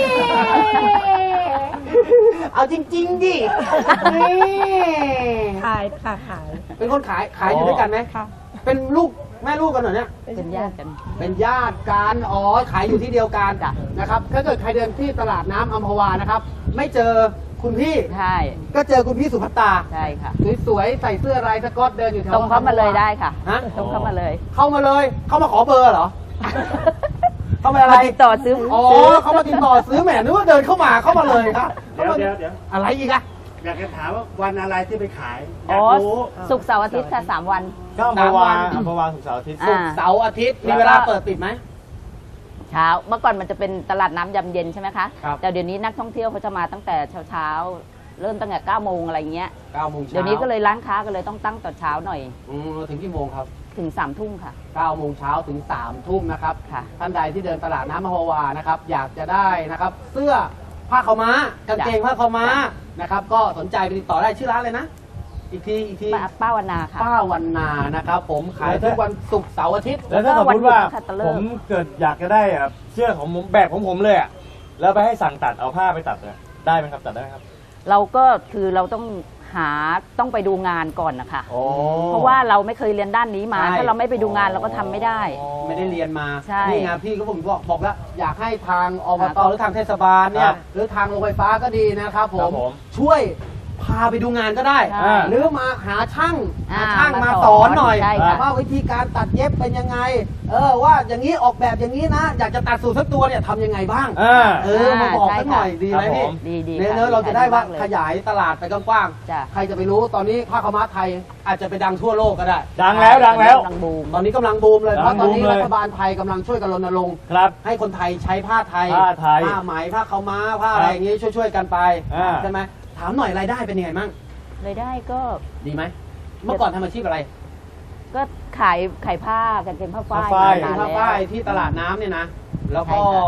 [SPEAKER 1] เอาจริง ๆ ดินี่
[SPEAKER 3] ขายค่ะขาย
[SPEAKER 1] เป็นคนขายขายอยู่ด้วยกันไหม
[SPEAKER 3] ค่ะ
[SPEAKER 1] เป็นลูกแม่ลูกกันเหรอเนี่ย
[SPEAKER 4] เป็นญาติกัน
[SPEAKER 1] เป็นญาติกันอ๋อขายอยู่ที่เดียวกัน
[SPEAKER 4] จ้ะ
[SPEAKER 1] นะครับ ถ้าเกิดใครเดินที่ตลาดน้ำอัมพวานะครับ ไม่เจอคุณพี่
[SPEAKER 4] ใช่
[SPEAKER 1] ก็เจอคุณพี่สุภัตตา
[SPEAKER 4] ใช่ค่ะ
[SPEAKER 1] สวยๆใส่เสื้อลายสก๊อตเดินอยู่แถว
[SPEAKER 4] ตรงเข้ามาเลยได้ค่ะ
[SPEAKER 1] ฮะ
[SPEAKER 4] ตรงเข้ามาเลย
[SPEAKER 1] เข้ามาเลย เข้ามาขอเบอร์เหรอ เข้ามาอะไร
[SPEAKER 4] มาติดต่อซื้อ
[SPEAKER 1] อ๋อ เขามาติดต่อซื้อแหมนึกว่าเดินเข้ามาเข้ามาเลยครับ
[SPEAKER 2] เดี๋ยวเดี๋ยวเดี๋ยว
[SPEAKER 1] อะไรอีกอะ
[SPEAKER 2] อยากจะถามว่าวันอะไรที่ไปขายอ
[SPEAKER 4] อ๋
[SPEAKER 2] ยา
[SPEAKER 4] อก
[SPEAKER 2] รู้
[SPEAKER 4] ศุกร์เสาร์อาทิตย์ค่ะสามวัน
[SPEAKER 2] ก็อัมพวาอัมพวาสุกร์เสาร์อาทิตย์
[SPEAKER 4] อ่า
[SPEAKER 1] ศุกร์เสาร์อาทิตย์ มีเวลาเปิดปิดไหม
[SPEAKER 4] เช้า เมื่อก่อนมันจะเป็นตลาดน้ำยำเย็นใช่ไหมคะ
[SPEAKER 1] ครับ
[SPEAKER 4] แต่เดี๋ยวนี้นักท่องเที่ยวเขาจะมาตั้งแต่เช้าเช้าๆเริ่มตั้งแต่เก้าโมงอะไรเงี้ย
[SPEAKER 1] เก้าโมงเช้า
[SPEAKER 4] เดี๋ยวนี้ก็เลยร้านค้าก็เลยต้องตั้งตอนเช้าหน่อย
[SPEAKER 1] อืมถึงกี่โมงครับ
[SPEAKER 4] ถึงสามทุ่มค่ะ
[SPEAKER 1] เก้าโมงเช้าถึงสามทุ่มนะครับ
[SPEAKER 4] ค่ะ
[SPEAKER 1] ท่านใดที่เดินตลาดน้ำมหาวานะครับ อยากจะได้นะครับ เสื้อผ้าขาวม้ากางเกงผ้าขาวม้านะครับ ก็สนใจไปติดต่อได้ชื่อร้านเลยนะ อีกทีอีกที
[SPEAKER 4] ป้าป้าวันนาค่ะ
[SPEAKER 1] ป้าวันนานะครับ ผมขายทุกวันศุกร์เสาร์อาทิตย์
[SPEAKER 2] แล้วถ้าสมมติว่า
[SPEAKER 4] แล้วก็วันหยุดนะคะตะเลิก
[SPEAKER 2] ผมเกิดอยากจะได้แบบเสื้อของผมแบบของผมเลยอะแล้วไปให้สั่งตัดเอาผ้าไปตัดเนี่ยได้ไหมครับตัดได้ไหมครับ
[SPEAKER 4] เราก็คือเราต้องหาต้องไปดูงานก่อนนะคะ
[SPEAKER 2] โอ้
[SPEAKER 4] เพราะว่าเราไม่เคยเรียนด้านนี้มา
[SPEAKER 1] ใช่
[SPEAKER 4] ถ้าเราไม่ไปดูงานเราก็ทำไม่ได้
[SPEAKER 1] ไม่ได้เรียนมา
[SPEAKER 4] ใช่
[SPEAKER 1] นี่ไงพี่ก็ผมบอกบอกแล้วอยากให้ทางอบต
[SPEAKER 4] ครับ
[SPEAKER 1] หรือทางเทศบาลเนี่ยหรือทางโรงไฟฟ้าก็ดีนะครับผ
[SPEAKER 2] ครั
[SPEAKER 1] ม
[SPEAKER 2] บผม
[SPEAKER 1] ช่วยพาไปดูงานก็ได้
[SPEAKER 4] ใช่
[SPEAKER 1] หรือมาหาช่าง
[SPEAKER 4] อ่า
[SPEAKER 1] หาช่างมา
[SPEAKER 4] มา
[SPEAKER 1] ส
[SPEAKER 4] ส
[SPEAKER 1] อ
[SPEAKER 4] อน น
[SPEAKER 1] หน่อย
[SPEAKER 4] ใช่ค่ะ
[SPEAKER 1] ว่าวิธีการตัดเย็บเป็นยังไง เออว่าอย่างนี้ออกแบบอย่างนี้นะ อยากจะตัดสูตรสักตัวเนี่ยทำยังไงบ้าง
[SPEAKER 2] อ่า
[SPEAKER 1] เออมาบอกสักหน่อยดีไหม
[SPEAKER 2] ครับผ
[SPEAKER 1] พี่
[SPEAKER 2] ม
[SPEAKER 4] ดีดี
[SPEAKER 1] เนื้
[SPEAKER 4] ค่ะ
[SPEAKER 1] อเราจะได้ว่า
[SPEAKER 4] ดีมกเลย
[SPEAKER 1] ขยายตลาดไปกว้าง
[SPEAKER 4] จ้ะ
[SPEAKER 1] ๆใครจะไปรู้ตอนนี้ผ้าขาวม้าไทยอาจจะไปดังทั่วโลกก็ได้
[SPEAKER 2] ดังแล้วดังแล้ว
[SPEAKER 4] กำลังบูม
[SPEAKER 1] ตอนนี้กำลังบูมเลย
[SPEAKER 2] กำ
[SPEAKER 1] เพ
[SPEAKER 2] ลัง
[SPEAKER 1] ราะตอนนี้
[SPEAKER 2] บูมเลย
[SPEAKER 1] รัฐบาลไทยกำลังช่วยกันรณรงค์
[SPEAKER 2] ครับ
[SPEAKER 1] ให้คนไทยใช้ผ้าไทย
[SPEAKER 2] ผ้าไทย
[SPEAKER 1] ผ้าไหมผ้าขาวม้าผ้าอะไรอย่างงี้ช่วยๆกันไป
[SPEAKER 2] อ่า
[SPEAKER 1] ใช่ไหมถามหน่อยรายได้เป็นยังไงมั่ง
[SPEAKER 4] เลยได้ก็
[SPEAKER 1] ดีไหมเมื่อก่อนทำอาชีพอะไร
[SPEAKER 4] ก็ขายขายผ้ากางเกงผ้าฝ้าย
[SPEAKER 2] ผ้าฝ้าย
[SPEAKER 4] มานาน
[SPEAKER 1] ผ้า
[SPEAKER 4] แล้ว
[SPEAKER 1] ฝ้ายที่ตลาดน้ำเนี่ยนะแล้วก็
[SPEAKER 4] ใช่ค่ะ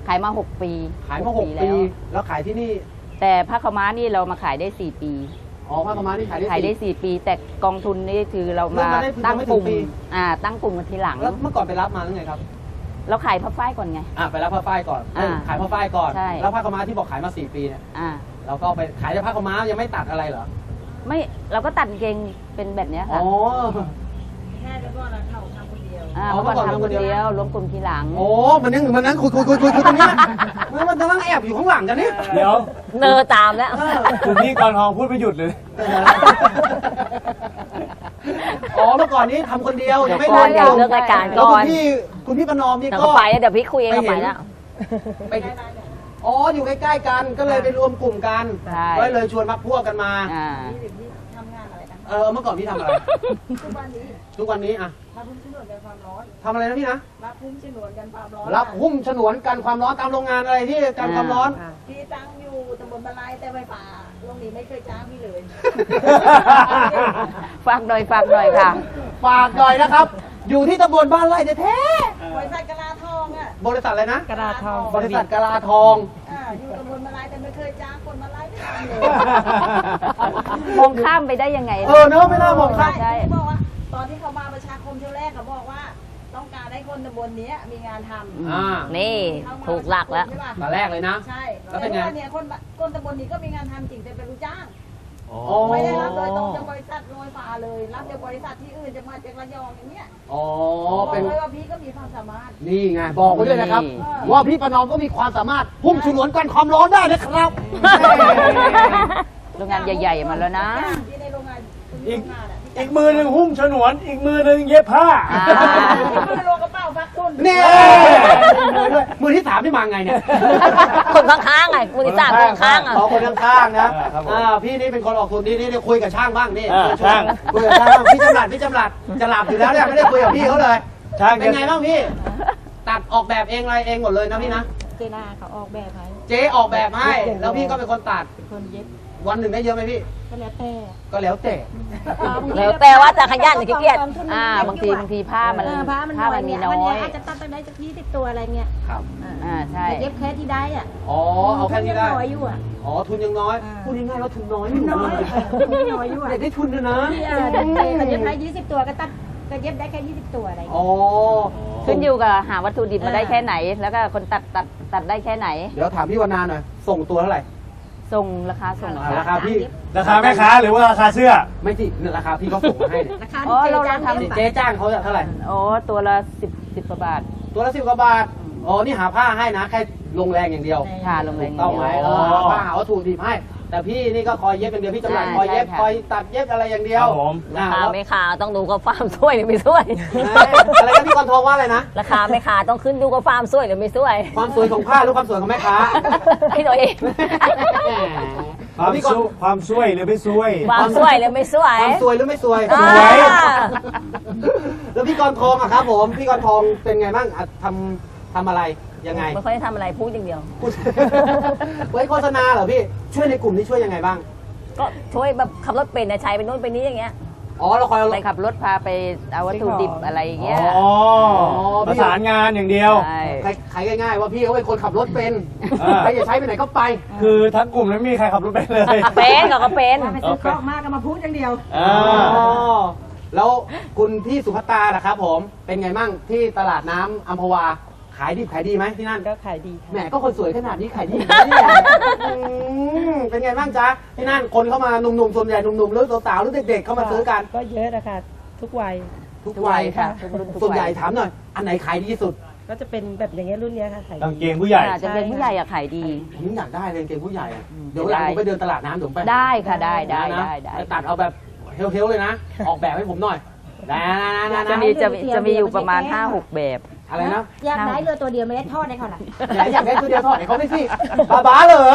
[SPEAKER 4] ขายมาหกปี
[SPEAKER 1] ขายมาหกปี
[SPEAKER 4] แล้ว
[SPEAKER 1] แล้วขายที่นี่
[SPEAKER 4] แต่ผ้าขาวม้านี่เรามาขายได้สี่ปี
[SPEAKER 1] อ๋อผ้าขาวม้านี่ขายได้
[SPEAKER 4] ขายได้
[SPEAKER 1] สี่
[SPEAKER 4] สี่ปี แต่กองทุนนี่คือเรามา
[SPEAKER 1] เริ่มมาได้
[SPEAKER 4] ตั้ง
[SPEAKER 1] ยังไม่ถึง
[SPEAKER 4] กลุ่ม
[SPEAKER 1] ปี
[SPEAKER 4] อ่าตั้งกลุ่มกันทีหลัง
[SPEAKER 1] แล้วเมื่อก่อนไปรับมาหรือไงครับ
[SPEAKER 4] เราขายผ้าฝ้ายก่อนไง
[SPEAKER 1] อ่ะไปรับผ้าฝ้ายก่อน
[SPEAKER 4] อ่า
[SPEAKER 1] ขายผ้าฝ้ายก่อน
[SPEAKER 4] ใช่
[SPEAKER 1] แล้วผ้าขาวม้าที่บอกขายมาสี่ปีเนี่ย
[SPEAKER 4] อ่า
[SPEAKER 1] เราก็ไปขายแต่ผ้าขาวม้ายังไม่ตัดอะไรเหรอ
[SPEAKER 4] ไม่เราก็ตัดกางเกงเป็นแบบเนี้ย
[SPEAKER 1] อ๋
[SPEAKER 4] ค่ะ
[SPEAKER 1] อ
[SPEAKER 3] แค่แล้วก็เราเข้าทำคนเดียว
[SPEAKER 4] อ่า
[SPEAKER 1] อ๋อ
[SPEAKER 4] เมื่อก่อน
[SPEAKER 1] เมื่อก่อน
[SPEAKER 4] ทำคนเดี
[SPEAKER 1] ทำคนเดี
[SPEAKER 4] ย
[SPEAKER 1] ยว ว
[SPEAKER 4] รวมกลุ่มทีหลัง
[SPEAKER 1] โอ้ มันยังมันนั่งคุยคุยคุยคุยคุยตรงเนี้ยมันมันกำลังแอบอยู่ข้างหลังกันเนี่ย
[SPEAKER 2] เดี๋ยว
[SPEAKER 5] เนอตามแล้ว
[SPEAKER 1] เออ
[SPEAKER 2] คุณพี่กรทองพูดไม่หยุดเลย
[SPEAKER 1] อ๋อ เมื่อก่อนนี้ทำคนเดียวยังไม่
[SPEAKER 5] เดี๋ยวก่อน
[SPEAKER 1] รวม
[SPEAKER 5] เดี๋ยวเลิกรายการ
[SPEAKER 1] แล้ว
[SPEAKER 5] ก่
[SPEAKER 1] คุ
[SPEAKER 5] อน
[SPEAKER 1] ณพี่คุณพี่ประนอมนี่
[SPEAKER 5] เดี๋ยว
[SPEAKER 1] ก็
[SPEAKER 5] ก็ไปแล้วเดี๋ยวพี่คุยเองก็ไปแล้ว
[SPEAKER 1] ไปอ๋อ อยู่ใกล้ๆกัน ก็เลยไปรวมกลุ่มกัน
[SPEAKER 4] ใช่
[SPEAKER 1] ก็เลยชวนพักพวกกันมา
[SPEAKER 4] อ่า
[SPEAKER 3] นี่เดี๋ยวพี่ทำงานอะไรนะ
[SPEAKER 1] เออ เมื่อก่อนพี่ทำอะไร
[SPEAKER 3] ทุกวันนี้
[SPEAKER 1] ทุกวันนี้อะ
[SPEAKER 3] รับพุ่มฉนวนกันความร้อน
[SPEAKER 1] ทำอะไรนะพี่นะ
[SPEAKER 3] รับพุ่มฉนวนกันความร้อน
[SPEAKER 1] รับหุ้มฉนวนกันความร้อนตามโรงงานอะไรที่กันความร้อน
[SPEAKER 3] อ่ะพี่ตั้งอยู่ตำบลบะไลแต่ไฟป่าโรงนี้ไม่เคยจ้างพี่เลย
[SPEAKER 4] ฝากหน่อยฝากหน่อยค่ะ
[SPEAKER 1] ฝากหน่อยนะครับ อยู่ที่ตำบลบ้านไร่แท้
[SPEAKER 3] บริษัทกะลาทองอ่ะ
[SPEAKER 1] ๆบริษัทอะไรนะ
[SPEAKER 3] กะลาทอง
[SPEAKER 1] บริษัทกะลาทอง
[SPEAKER 3] อ่าอยู่ตำบลมาลายแต่ไม่เคยจ้างคนมาลายไม่ทำเลย
[SPEAKER 4] มองข้ามไปได้ยังไง
[SPEAKER 1] เออเนอะไม่น่ามองข้าม
[SPEAKER 4] ใช่
[SPEAKER 3] เขาบอกว่าตอนที่เขามาประชาคมเที่ยวแรกเขาบอกว่า ต้องการให้คนตำบลเนี้ยมีงานทำ
[SPEAKER 1] อ่า
[SPEAKER 5] นี่
[SPEAKER 3] เข้ามา
[SPEAKER 5] ถูกหลักแล้ว
[SPEAKER 3] ใช่ปะ
[SPEAKER 1] ตอนแรกเลยนะ
[SPEAKER 3] ใช่
[SPEAKER 1] แล้วเป็นไง
[SPEAKER 3] ต่เนี่ยคนคนตำบลนี้ก็มีงานทำจริงแต่เป็นลูกจ้าง
[SPEAKER 2] อ๋อ
[SPEAKER 3] ไม่ได้รับโดยตรงจากบริษัทโรยฟ้าเลย รับจากบริษัทที่อื่นจะมาจากระยองอย่างเงี้ย
[SPEAKER 1] อ๋อ
[SPEAKER 3] บอก
[SPEAKER 1] เป็น
[SPEAKER 3] เลยว่าพี่ก็มีความสามารถ
[SPEAKER 1] นี่ไงบอกไว้ด้วยนะครับ
[SPEAKER 5] นี่
[SPEAKER 1] ว่าพี่ประนอมก็มีความสามารถพุ่มฉนวนกันความร้อนได้นะครับ
[SPEAKER 4] โรงงานใหญ่ๆมาแล้วนะ
[SPEAKER 3] ที่ในโรงงาน
[SPEAKER 2] อีก
[SPEAKER 3] โรงงานอะที่
[SPEAKER 2] อีกมือหนึ่งหุ้มฉนวน อีกมือหนึ่งเย็บผ้า
[SPEAKER 4] อ่า
[SPEAKER 3] ที่ในโรงกระเป๋าพักทุน
[SPEAKER 1] นี่มือด้วยมือที่สามที่มาไงเนี่ย
[SPEAKER 5] คนข้างๆไงคุณติสามคนข้างๆอ่ะ
[SPEAKER 1] สองคนข้างๆนะ
[SPEAKER 2] อ่าครับผม
[SPEAKER 1] อ่าพี่นี่เป็นคนออกทุนนี่นี่นี่คุยกับช่างบ้างนี่
[SPEAKER 2] อ่า
[SPEAKER 1] คุยกับ
[SPEAKER 2] ช่าง
[SPEAKER 1] คุยกับช่างบ้างพี่จำหลัดพี่จำหลัดจะหลับอยู่แล้วเนี่ยไม่ได้คุยกับพี่เขาเลย
[SPEAKER 2] ช่าง
[SPEAKER 1] เป็นไงบ้างพี่ ตัดออกแบบเองอะไรเองหมดเลยนะพี่นะ
[SPEAKER 3] เจนาเขาออกแบบให้
[SPEAKER 1] เจ๊ออกแบบให้แล้วพี่ก็เป็นคนตัด
[SPEAKER 3] คนเย็บ
[SPEAKER 1] วันหนึ่งได้เยอะไหมพี่
[SPEAKER 3] ก็แล้วแต่
[SPEAKER 1] ก็แล้วแต่
[SPEAKER 5] แล้วแต่ว่าจะขยันหรือขี้เกียจ
[SPEAKER 4] อ่าบางทีบางทีผ้ามัน
[SPEAKER 3] เออผ้ามัน
[SPEAKER 4] ผ้ามันมีน้อ
[SPEAKER 3] วันเนี้
[SPEAKER 4] ย
[SPEAKER 3] อาจจะตัดตั้งได้จากยี่สิบตัวอะไรเงี้ย
[SPEAKER 1] ครับ
[SPEAKER 4] อ่าใช่
[SPEAKER 3] แต่เย็บแค่ที่ได้อ่ะ
[SPEAKER 1] อ๋อเอาแค่นี้ได้
[SPEAKER 3] น้อยอยู่อ่ะ
[SPEAKER 1] อ๋อทุนยังน้อย
[SPEAKER 3] อ่า
[SPEAKER 1] พูดง่ายๆว่าทุนน้อยอยู่
[SPEAKER 3] น้อยทุนน้อยอยู่อะ
[SPEAKER 1] เด็กได้ทุนด้วยนะ
[SPEAKER 3] ที่เออเด็กเขาเย็บได้ยี่สิบตัวก็ตัดก็เย็บได้แค่ยี่สิบตัวอะไรเงี้ย
[SPEAKER 1] อ๋อ
[SPEAKER 4] ขึ้นอยู่กับหาวัตถุดิบมาได้
[SPEAKER 3] อ่า
[SPEAKER 4] แค่ไหน แล้วก็คนตัดตัดตัดได้แค่ไหน
[SPEAKER 1] เดี๋ยวถามพี่วรรณาหน่อยส่งตัวเท่าไหร่
[SPEAKER 4] ส่งราคาส่ง
[SPEAKER 1] อ่าราคาพี่
[SPEAKER 2] ราคาแม่ค้าหรือว่าราคาเสื้อ
[SPEAKER 1] ไม่สิเนี่ยราคาพี่เขาส่งมาให้เนี่ย
[SPEAKER 3] ราคา
[SPEAKER 4] อ๋อ
[SPEAKER 3] ที่
[SPEAKER 4] เรา
[SPEAKER 3] เจ๊จ้าง
[SPEAKER 4] เราทำ
[SPEAKER 3] เย็บ
[SPEAKER 1] เจ๊จ้างเขาเท่าไหร่
[SPEAKER 4] โอ้ตัวละสิบสิบกว่าบาท
[SPEAKER 1] ตัวละสิบกว่าบาทอ๋อนี่หาผ้าให้นะแค่ลงแรงอย่างเดียว
[SPEAKER 4] ค่ะลงแรง
[SPEAKER 1] ต้องไหมเอ
[SPEAKER 2] อ๋
[SPEAKER 1] อ
[SPEAKER 2] อ
[SPEAKER 1] หาผ้าหาวัตถุดิบให้ แต่พี่นี่ก็คอยเย็บอย่างเดียวพี่จำหลัด
[SPEAKER 4] ใช่
[SPEAKER 1] คอยเย็บ
[SPEAKER 4] ใช่ค่ะ
[SPEAKER 1] คอยตัดเย็บอะไรอย่างเดียว
[SPEAKER 2] ครับผม
[SPEAKER 1] อ่า
[SPEAKER 5] ราคา
[SPEAKER 1] แล้ว
[SPEAKER 5] ไม่ขาต้องดูกับฟาร์มช่วยหรือไม่ช่วย
[SPEAKER 1] อะไรกันพี่กรทองว่าอะไรนะ
[SPEAKER 5] ราคาไม่ขาต้องขึ้นดูกับฟาร์มช่วยหรือไม่ช่วย
[SPEAKER 1] ความสวยของผ้าหรือความสวยของแม่ค้า
[SPEAKER 5] ให้ตัวเอง
[SPEAKER 2] ความ
[SPEAKER 1] พี่กร
[SPEAKER 2] สู้ความช่วยหรือไม่ช่วย
[SPEAKER 5] ความช่วยหรือไม่ช่วย
[SPEAKER 1] ความสวยหรือไม่สวย
[SPEAKER 5] อ่า
[SPEAKER 2] สวย
[SPEAKER 1] แล้วพี่กรทองอะครับผม พี่กรทองเป็นไงบ้างอะทำทำอะไรยังไง
[SPEAKER 5] ไม่ค่อยได้ทำอะไรพูดอย่างเดียว
[SPEAKER 1] พูด ไว้โฆษณาเหรอพี่ ช่วยในกลุ่มนี้ช่วยยังไงบ้าง
[SPEAKER 5] ก็ช่วยแบบขับรถเป็นนะใช้ไปนู่นไปนี้อย่างเงี้ย
[SPEAKER 1] อ๋อเราคอยเอา
[SPEAKER 4] ไปขับรถพาไปเอาวัตถุดิบอะไรอย่างเงี้ย
[SPEAKER 2] อ๋อประสานงานอย่างเดียว
[SPEAKER 4] ใช่
[SPEAKER 1] ใครใครง่ายๆว่าพี่เขาเป็นคนขับรถเป็น
[SPEAKER 2] อ่า
[SPEAKER 1] ใครจะใช้ไปไหนก็ไป
[SPEAKER 2] คือทั้งกลุ่มนั้นไม่มีใครขับรถไปเลย
[SPEAKER 5] เป็นก็ก็เป็น
[SPEAKER 3] ว่าไปซื้อของมากก็มาพูดอย่างเดียว
[SPEAKER 2] อ่า
[SPEAKER 1] อ๋อแล้วคุณพี่สุภัตตาล่ะครับผม เป็นไงบ้างที่ตลาดน้ำอัมพวา ขายดีขายดีไหมที่นั่น
[SPEAKER 3] ก็ขายดี
[SPEAKER 1] แหมก็คนสวยขนาดนี้ขายดีอยู่นะเนี่ยอืมเป็นไงบ้างจ๊ะที่นั่นคนเข้ามาหนุ่มๆส่วนใหญ่หนุ่มๆหรือสาวๆหรือเด็กๆเข้ามาซื้อกัน
[SPEAKER 6] ก็เยอะนะคะทุกวัย
[SPEAKER 1] ทุกวัย
[SPEAKER 4] ค่ะทุกรุ่นทุก
[SPEAKER 1] ส่วนใหญ่
[SPEAKER 4] วัย
[SPEAKER 1] ถามหน่อย อันไหนขายดีที่สุด
[SPEAKER 6] ก็จะเป็นแบบอย่างเงี้ยรุ่นเนี้ยค่ะขาย
[SPEAKER 2] กางเกงผู้ใหญ่
[SPEAKER 4] อ่าจะเป็นผู้ใหญ่อะขายดี
[SPEAKER 1] ผมอยากได้เลยกางเกงผู้ใหญ่อะ
[SPEAKER 4] อืม
[SPEAKER 1] เดี๋ยววันหลังผมไปเดินตลาดน้ำเดี๋ยวผมไป
[SPEAKER 4] ได้ค่ะได้ได้
[SPEAKER 1] นะ
[SPEAKER 4] ได้ได้
[SPEAKER 1] ไปตัดเอาแบบเฮลๆเลยนะ ออกแบบให้ผมหน่อยนะนะ
[SPEAKER 4] จะ
[SPEAKER 1] นะ
[SPEAKER 4] มีจะมีจะมีอยู่ประมาณ ห้าหก แบบ
[SPEAKER 1] อะไรนะ
[SPEAKER 3] อยากได้เรือตัวเดียวไม่ได้ทอดให้เขาหรอ
[SPEAKER 1] อยากอยากได้ตัวเดียวถอดให้เขาไม่สิบ้าบ้าเหรอ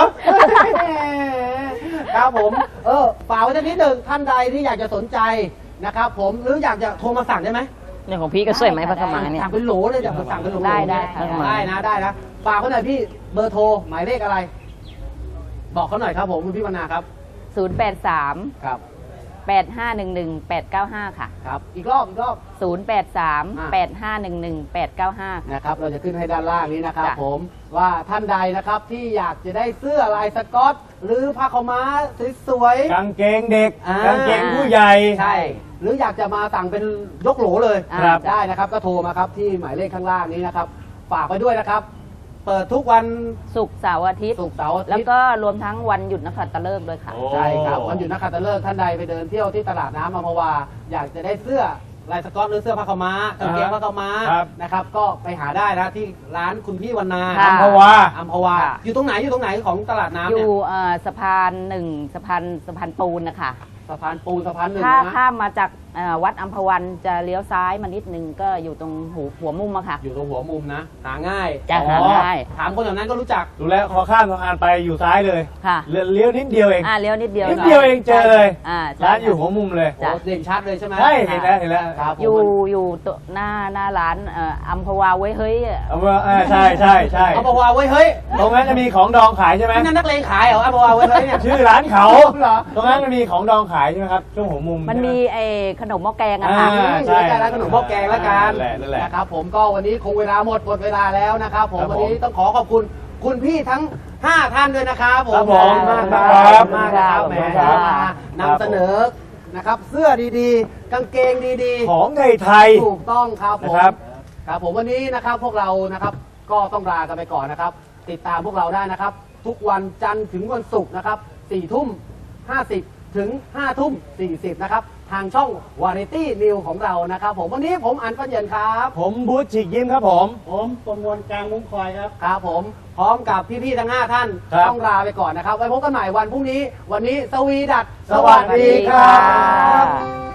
[SPEAKER 1] ครับผม เออฝากไว้สักนิดหนึ่งท่านใดที่อยากจะสนใจนะครับผมหรืออยากจะโทรมาสั่งได้ไหม
[SPEAKER 5] เนี่ยของพี่ก็สวยไหมพักกระมังเนี่ย
[SPEAKER 1] สั่งเป็นโหลเลยอยากสั่งเป็นโหล
[SPEAKER 4] ได้ได้ค่ะ
[SPEAKER 1] ได้นะได้นะฝากเขาหน่อยพี่เบอร์โทรหมายเลขอะไร บอกเขาหน่อยครับผมคุณพี่วรรณาครับ
[SPEAKER 4] ศูนย์ แปด สาม
[SPEAKER 1] ครับ
[SPEAKER 4] แปด ห้า หนึ่ง หนึ่ง แปด เก้า ห้า ค่ะ
[SPEAKER 1] ครับ อีกรอบอีกรอบ
[SPEAKER 4] ศูนย์ แปด สาม
[SPEAKER 1] อ่า
[SPEAKER 4] แปด ห้า หนึ่ง หนึ่ง แปด เก้า ห้า
[SPEAKER 1] นะครับเราจะขึ้นให้ด้านล่างนี้นะครับ
[SPEAKER 4] จ้ะ
[SPEAKER 1] ผมว่าท่านใดนะครับที่อยากจะได้เสื้อลายสก๊อต หรือผ้าขาวม้าสวยๆ
[SPEAKER 2] กางเกงเด็ก
[SPEAKER 1] อ่า
[SPEAKER 2] กางเกงผู้ใหญ่
[SPEAKER 1] ใช่ หรืออยากจะมาสั่งเป็นยกโหลเลย
[SPEAKER 4] ครับ
[SPEAKER 1] ได้นะครับ ก็โทรมาครับที่หมายเลขข้างล่างนี้นะครับ ฝากไว้ด้วยนะครับ เปิดทุกวัน
[SPEAKER 4] ศุกร์เสาร์อาทิตย์
[SPEAKER 1] ศุกร์เสาร์อาทิตย์
[SPEAKER 4] แล้วก็รวมทั้งวันหยุดนักขัตฤกษ์ด้วยค่ะ
[SPEAKER 2] โอ้
[SPEAKER 1] ใช่ครับวันหยุดนักขัตฤกษ์ท่านใดไปเดินเที่ยวที่ตลาดน้ำอัมพวา อยากจะได้เสื้อลายสก๊อตหรือเสื้อผ้าขาวม้ากางเกงผ้าขาวม้า
[SPEAKER 2] ครับ
[SPEAKER 1] นะครับ ก็ไปหาได้นะที่ร้านคุณพี่วรรณา
[SPEAKER 4] ค่ะ
[SPEAKER 2] อัมพวา
[SPEAKER 1] อัมพวา
[SPEAKER 4] ค่ะ
[SPEAKER 1] อยู่ตรงไหนอยู่ตรงไหนของตลาดน้ำ
[SPEAKER 4] อ
[SPEAKER 1] เนี่ย
[SPEAKER 4] ยู่เอ่อสะพานหนึ่งสะพานสะพานปูนนะคะ
[SPEAKER 1] สะพานปูนสะพานหนึ่ง
[SPEAKER 4] ถ้า
[SPEAKER 1] นะ
[SPEAKER 4] ข้ามมาจากเอ่อวัดอัมพวันจะเลี้ยวซ้ายมานิดนึงก็อยู่ตรงหูหัวมุมอะค่ะ
[SPEAKER 1] อยู่ตรงหัวมุมนะ หาง่าย
[SPEAKER 4] จะหา
[SPEAKER 1] อ๋อ
[SPEAKER 4] ง่าย
[SPEAKER 1] ถามคนแถวนั้นก็รู้จัก
[SPEAKER 2] ดูแลวพอข้ามสะพานไปอยู่ซ้ายเลย
[SPEAKER 4] ค่ะ
[SPEAKER 2] เลี้ยวเลี้ยวนิดเดียวเอง
[SPEAKER 4] อ่าเลี้ยวนิดเดียว
[SPEAKER 2] นิดเดียวเองเจอเลย
[SPEAKER 4] อ่าใช่
[SPEAKER 2] ร้านอยู่หัวมุมเลย
[SPEAKER 1] โอ้เด่นชัดเลยใช่ไหม
[SPEAKER 2] ใช่เห็นแล้วเห็นแล้ว
[SPEAKER 1] ครับผม
[SPEAKER 4] อยู่อยู่ตัวหน้าหน้าร้านเอ่ออัมพวาไว้เฮ้ยอะ
[SPEAKER 2] เอาว่าอ่าใช่ใช่ใช่
[SPEAKER 1] เอาบอกว่าเว้ยเฮ้ย
[SPEAKER 2] ตรงนั้นจะมีของดองขายใช่ไหม
[SPEAKER 1] นี่นั่นนักเลงขายเหรอเอาบอกว่าเว้ยเฮ้ยเนี่ย
[SPEAKER 2] ชื่อร้านเขา
[SPEAKER 1] เหรอ
[SPEAKER 2] ตรงนั้นมันมีของดองขายใช่ไหมครับช่วงหัวมุม
[SPEAKER 4] มันมี
[SPEAKER 2] ใช่ไห
[SPEAKER 4] ไอ้ขนมหม้อแกงอะค่ะ
[SPEAKER 2] อ่า
[SPEAKER 1] ใช่ร้านขนมหม้อแกงแล้วกัน
[SPEAKER 2] นั่นแหละนั่นแหละ
[SPEAKER 1] นะครับผมก็วันนี้คงเวลาหมดหมดเวลาแล้วนะครับผม
[SPEAKER 2] ครับผม
[SPEAKER 1] วันนี้ต้องขอขอบคุณคุณพี่ทั้งห้าท่านด้วยนะครับผม
[SPEAKER 2] ครับผม
[SPEAKER 1] ขอบคุณมาก
[SPEAKER 2] ครับ
[SPEAKER 1] ขอบคุณมากนะครับแหม
[SPEAKER 2] ครับ
[SPEAKER 1] มานำเสนอนะครับ เสื้อดีๆ กางเกงดีๆ
[SPEAKER 2] ของไทย
[SPEAKER 1] ถูกต้องครับผม
[SPEAKER 2] นะครับ
[SPEAKER 1] ครับผมวันนี้นะครับพวกเรานะครับก็ต้องลากันไปก่อนนะครับ ติดตามพวกเราได้นะครับ ทุกวันจันทร์ถึงวันศุกร์นะครับสี่ทุ่มห้าสิบถึงห้าทุ่มสี่สิบนะครับ ทางช่อง Variety News ของเรานะครับผมวันนี้ผมอันปัญเย็นครับ
[SPEAKER 2] ผมบูธฉีกยิ้มครับผม
[SPEAKER 1] ผมประมวลกลางมุ้งคอยครับครับผมพร้อมกับพี่ๆทั้งห้าท่าน
[SPEAKER 2] ครับ
[SPEAKER 1] ต้องลาไปก่อนนะครับ ไว้พบกันใหม่วันพรุ่งนี้ วันนี้สวีดัต
[SPEAKER 2] สวัสดีครับ